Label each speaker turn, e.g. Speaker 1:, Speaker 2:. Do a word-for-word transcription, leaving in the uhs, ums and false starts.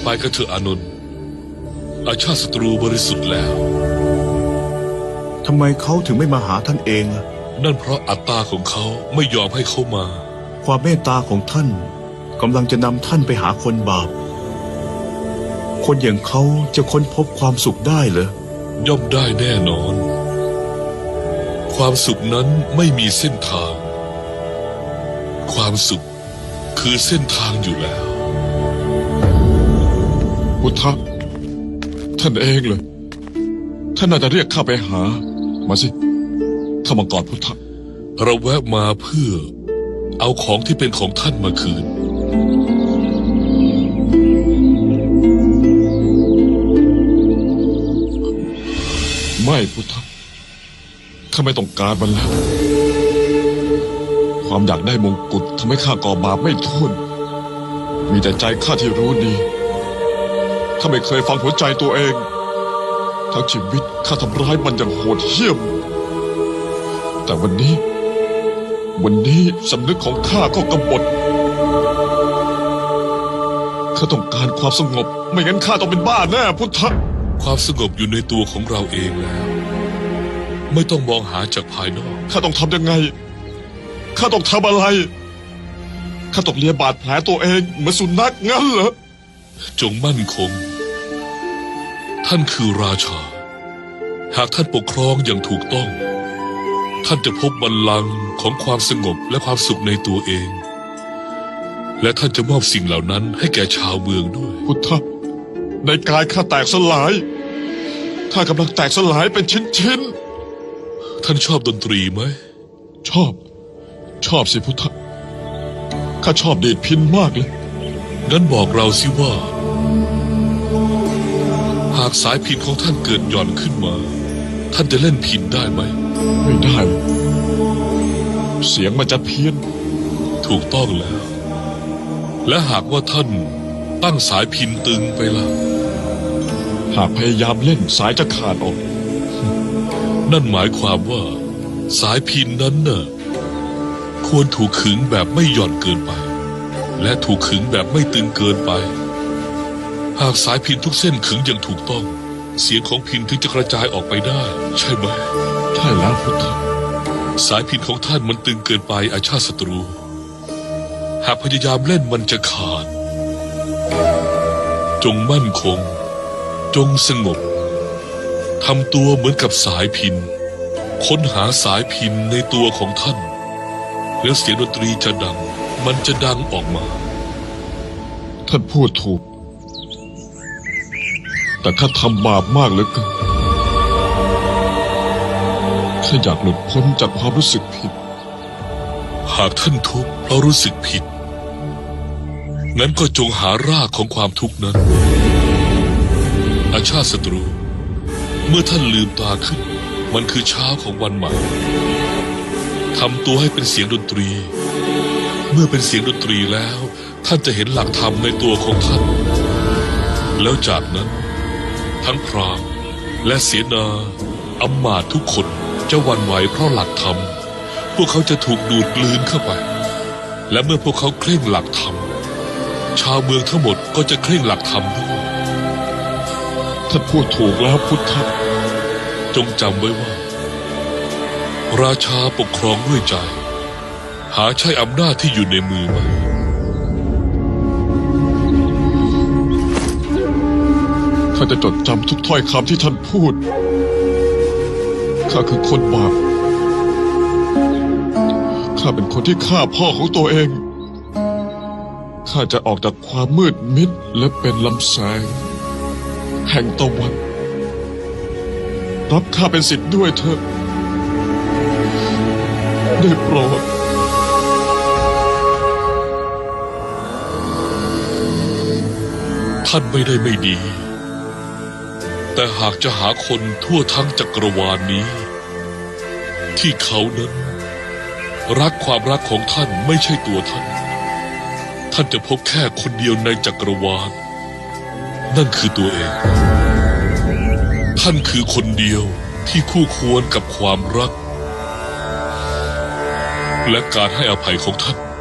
Speaker 1: ไปกันเถอะอานนท์อาชาติศัตรูบริสุทธิ์แล้ว
Speaker 2: ทำไมเขาถึงไม่มาหาท่านเองล่ะ
Speaker 1: นั่นเพราะอัตตาของเขาไม่ยอมให้เขามา
Speaker 2: ความเมตตาของท่านกำลังจะนำท่านไปหาคนบาปคนอย่างเขาจะค้นพบความสุขได้เหร
Speaker 1: อย่อมได้แน่นอนความสุขนั้นไม่มีเส้นทางความสุขคือเส้นทางอยู่แล้ว
Speaker 3: พุทธะท่านเองเลยท่านน่าจะเรียกข้าไปหามาสิข้ามากอดพุทธะ
Speaker 1: เราแวะมาเพื่อเอาของที่เป็นของท่านมาคืน
Speaker 3: ไม่พุทธะข้าไม่ต้องการมันแล้วความอยากได้มงกุฎทำให้ข้าก่อบาปไม่ท้วนมีแต่ใจข้าที่รู้ดีข้าไม่เคยฟังหัวใจตัวเองทั้งชีวิตข้าทำร้ายมันอย่างโหดเหี้ยมแต่วันนี้วันนี้สำนึกของข้าก็กบฏข้าต้องการความสงบไม่งั้นข้าต้องเป็นบ้าแน่พุทธะ
Speaker 1: ความสงบอยู่ในตัวของเราเองแล้วไม่ต้องมองหาจากภายนอก
Speaker 3: ข้าต้องทำยังไงข้าต้องทำอะไรข้าต้องเลียบาดแผลตัวเองเหมือนสุนัขงั้นเหรอ
Speaker 1: จงมั่นคงท่านคือราชาหากท่านปกครองอย่างถูกต้องท่านจะพบบัลลังก์ของความสงบและความสุขในตัวเองและท่านจะมอบสิ่งเหล่านั้นให้แก่ชาวเมืองด้วย
Speaker 3: พุทธะในกายข้าแตกสลายข้ากำลังแตกสลายเป็นชิ้น
Speaker 1: ๆท่านชอบดนตรีไหม
Speaker 3: ชอบชอบสิพุทธะข้าชอบดีดพิณมากเลย
Speaker 1: งั้นบอกเราสิว่าหากสายพิณของท่านเกิดหย่อนขึ้นมาท่านจะเล่นพิณได้ไหม
Speaker 3: ไม่ได้เสียงมันจะเพี้ยน
Speaker 1: ถูกต้องแล้วและหากว่าท่านตั้งสายพิณตึงไปล่ะ
Speaker 3: หากพยายามเล่นสายจะขาดออก
Speaker 1: นั่นหมายความว่าสายพิณนั้นน่ะควรถูกขึงแบบไม่หย่อนเกินไปและถูกขึงแบบไม่ตึงเกินไปหากสายพิณทุกเส้นขึงอย่างถูกต้องเสียงของพิณถึงจะกระจายออกไปได้ใช่ไหม
Speaker 3: ใช่แล้วพุทธะ
Speaker 1: สายพิณของท่านมันตึงเกินไปอาชาติศัตรูหากพยายามเล่นมันจะขาดจงมั่นคงจงสงบทำตัวเหมือนกับสายพิณค้นหาสายพิณในตัวของท่านแล้วเสียงดนตรีจะดังมันจะดังออกมา
Speaker 3: ท่านพูดถูกแต่ข้าทำบาปมากเหลือเกินข้าอยากหลุดพ้นจากความรู้สึกผิด
Speaker 1: หากท่านทุกข์เพราะรู้สึกผิดงั้นก็จงหารากของความทุกข์นั้นอาชาติศัตรูเมื่อท่านลืมตาขึ้นมันคือเช้าของวันใหม่ทำตัวให้เป็นเสียงดนตรีเมื่อเป็นเสียงดนตรีแล้วท่านจะเห็นหลักธรรมในตัวของท่านแล้วจากนั้นทั้งพราหมณ์และเสนาอำมาตย์ทุกคนจะหวั่นไหวเพราะหลักธรรมพวกเขาจะถูกดูดกลืนเข้าไปและเมื่อพวกเขาเคร่งหลักธรรมชาวเมืองทั้งหมดก็จะเคร่งหลักธรรมด้วย
Speaker 3: ท่านพูดถูกแล้วพุทธะ
Speaker 1: จงจำไว้ว่าราชาปกครองด้วยใจหาใช่อำนาจที่อยู่ในมือไม่
Speaker 3: ข้าจะจดจำทุกถ้อยคำที่ท่านพูดข้าคือคนบาปข้าเป็นคนที่ฆ่าพ่อของตัวเองข้าจะออกจากความมืดมิดและเป็นลำแสงแห่งตะวันรับข้าเป็นศิษย์ด้วยเถอะได้โปรด
Speaker 1: ท่านไม่ได้ไม่ดีแต่หากจะหาคนทั่วทั้งจักรวาลนี้ที่เขานั้นรักความรักของท่านไม่ใช่ตัวท่านท่านจะพบแค่คนเดียวในจักรวาลนั่นคือตัวเองท่านคือคนเดียวที่คู่ควรกับความรักและการให้อภัยของท่าน